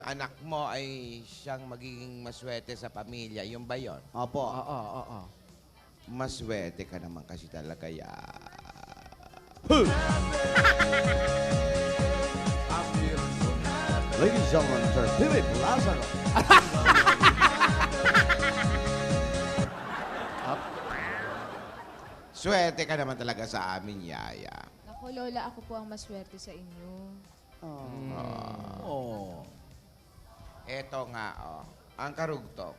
anak mo ay siyang magiging maswerte sa pamilya. Yung ba yun? Opo. Oo. Maswerte ka naman kasi talaga ya. Ladies and gentlemen, Sir Philip Lazaro. Swerte ka naman talaga sa amin, Yaya. Ako, Lola, ako po ang maswerte sa inyo. Oh. Eto nga, oh. Ang karugtong.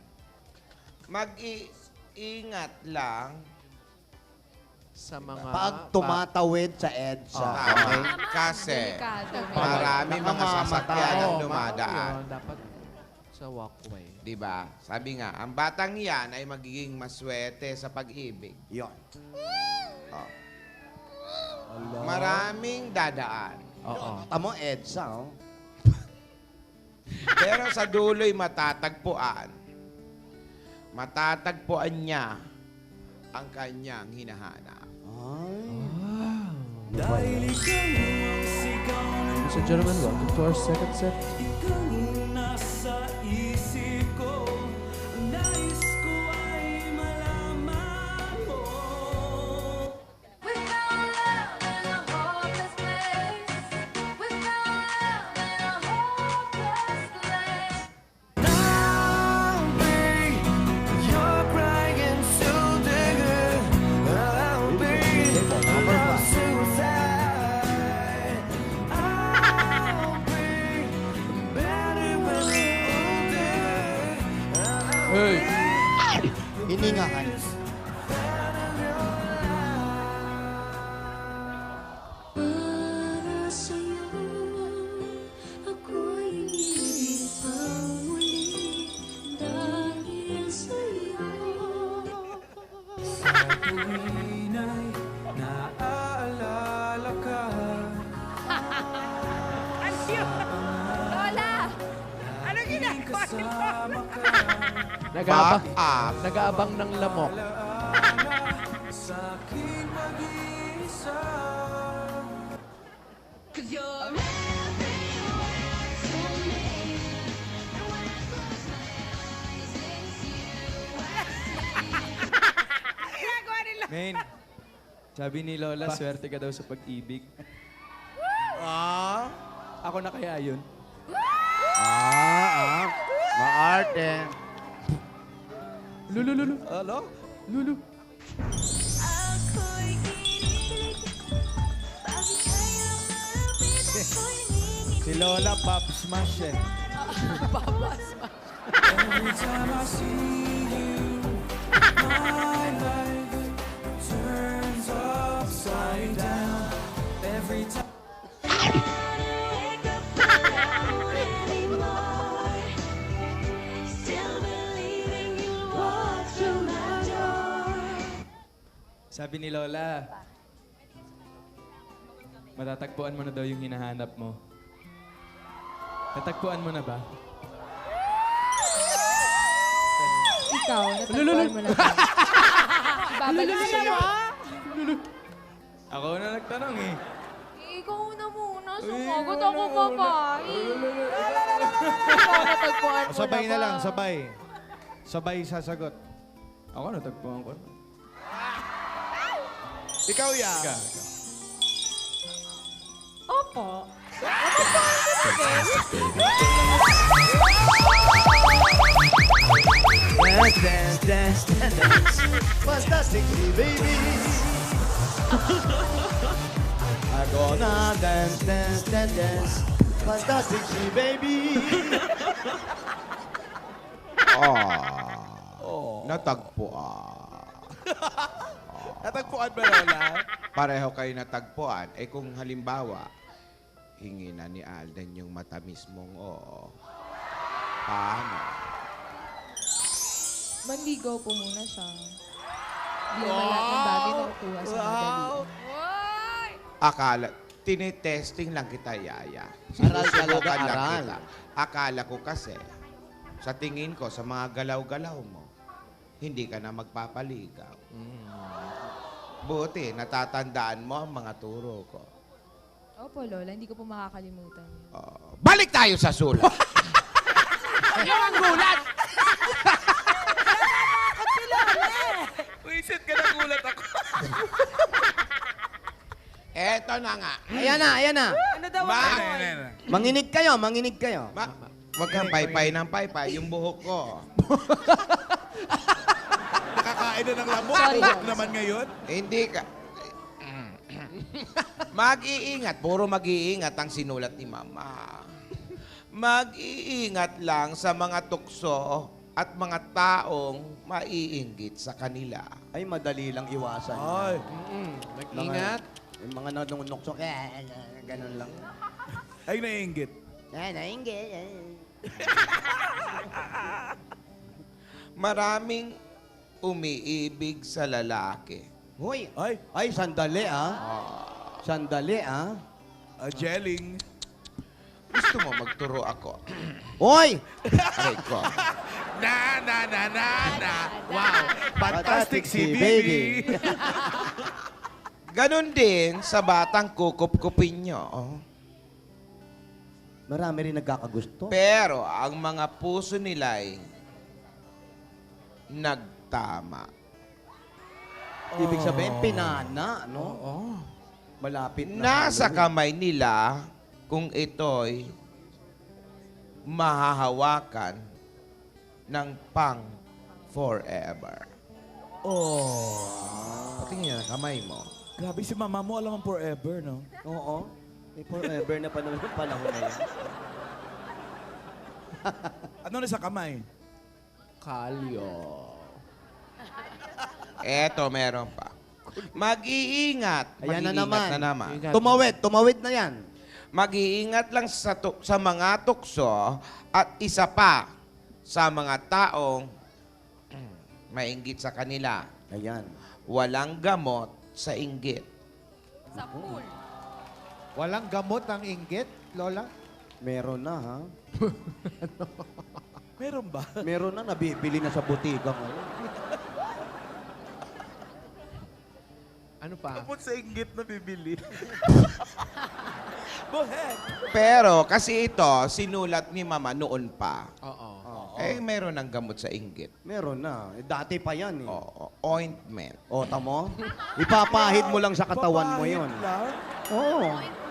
Mag-iingat lang. Sa mga... Pag tumatawid sa EDSA. Okay? Kasi Delikado. marami mga Namamatay. sasakyan ang Oo, dumadaan. yun, dapat sa walkway. Di ba? Sabi nga, ang batang yan ay magiging maswerte sa pag-ibig. Yun. Oh. Maraming dadaan. Oo. Tamo EDSA, oh. Pero sa dulo'y matatagpuan. Matatagpuan niya ang kanyang hinahanap. Ay. Ladies and gentlemen, welcome to our second set. Hey! Hiningahan. Para sa'yo, ako'y pang muli dahil sa'yo. Sa tuwin ay naaalala ka. Lola! Kasama ka. Nag-aabang, Back up. nag-aabang ng lamok. Sa aking mag-iisa. Men, sabi ni Lola, swerte ka daw sa pag-ibig. Ako na kaya yun? Maarte. Lulu. Alo? Lulu. Ako'y kinikilig, bakit kayang malapit ako'y ningin. Si Lola, Pop Smash eh. Every time I see you, my life turns upside down. Every time. Wake up around anymore. Still believing you'll walk through my door. Sabi ni Lola, matatagpuan mo na daw yung hinahanap mo. Natagpuan mo na ba? Ikaw, natagpuan mo na ba? Ibabalik sa'yo. Ako na nagtanong eh. Ikaw na muna. Sumagot ako, babae. Ikaw, natagpuan mo Sabay na na ba? lang, sabay. Sabay sasagot. Ako natagpuan ko na. Ikaw, ya. Ika. Opo. Dance. Fantastic, baby. I'm gonna dance. Fantastic, baby. Natagpuan. Natagpuan ba, Lola? Pareho kayo natagpuan. Eh kung halimbawa, hingi na ni Alden yung matamis mong oo. Paano? Manligaw po muna siya. Hindi naman lahat ng bagay na kukuha sa madali. Akala, tinetesting lang kita, Yaya. Aral talaga, Sinusubukan lang aral. kita. Akala ko kasi, sa tingin ko, sa mga galaw-galaw mo, hindi ka na magpapaligaw. Buti, natatandaan mo ang mga turo ko. Opo, Lola. Hindi ko po makakalimutan yun. Balik tayo sa sulat. Ayan na, ayan na. Ano daw Ma- ang amoy? Manginig kayo, manginig kayo. Wag kang paypay ng paypay, yung buhok ko. Nakakain na ng lamok. Sorry, Buhok guys. naman ngayon. Hindi ka... Mag-iingat. Puro mag-iingat ang sinulat ni Mama. Mag-iingat lang sa mga tukso at mga taong maiinggit sa kanila. Ay, madali lang iwasan. Ay. Mag-ingat. Yung mga nanunukso, ganun lang. Ay, naiinggit. Maraming umiibig sa lalaki. Hoy, Ay, sandali ah. Sandali ah. Jelling. Gusto mo magturo ako? Hoy! Aray ko. Na. Wow. Fantastic Fantastic si si baby. baby. Ganon din sa batang kukup-kupin nyo. Marami rin nagkakagusto. Pero ang mga puso nila'y nagtama. Ibig sabihin, pinana, no? Oo. Malapit na. Nasa Halloween. kamay nila kung ito'y mahahawakan ng pang forever. Patingin ang kamay mo. Grabe si mama mo, alam ang forever, no? Oo. May forever na pa naman yung panahon na yan. Ano na sa kamay? Kalyo. Eto, meron pa. Mag-iingat. Ayan na Mag-iingat naman. na naman. Ingat. Tumawid na yan. Mag-iingat lang sa mga tukso at isa pa sa mga taong mainggit sa kanila. Ayan. Walang gamot sa inggit. Sa pool. Walang gamot ang inggit, Lola? Meron na, ha? Meron ba? Meron na, nabibili na sa butika ngayon. Ano pa? Gamot sa inggit na bibili. Go ahead. Pero kasi ito, sinulat ni Mama noon pa. Oo. Eh, meron ng gamot sa inggit. Meron na. Eh, dati pa yan, eh. Oo, ointment. O, tamo? Ipapahid mo lang sa katawan mo Papahid yun. lang? Oo.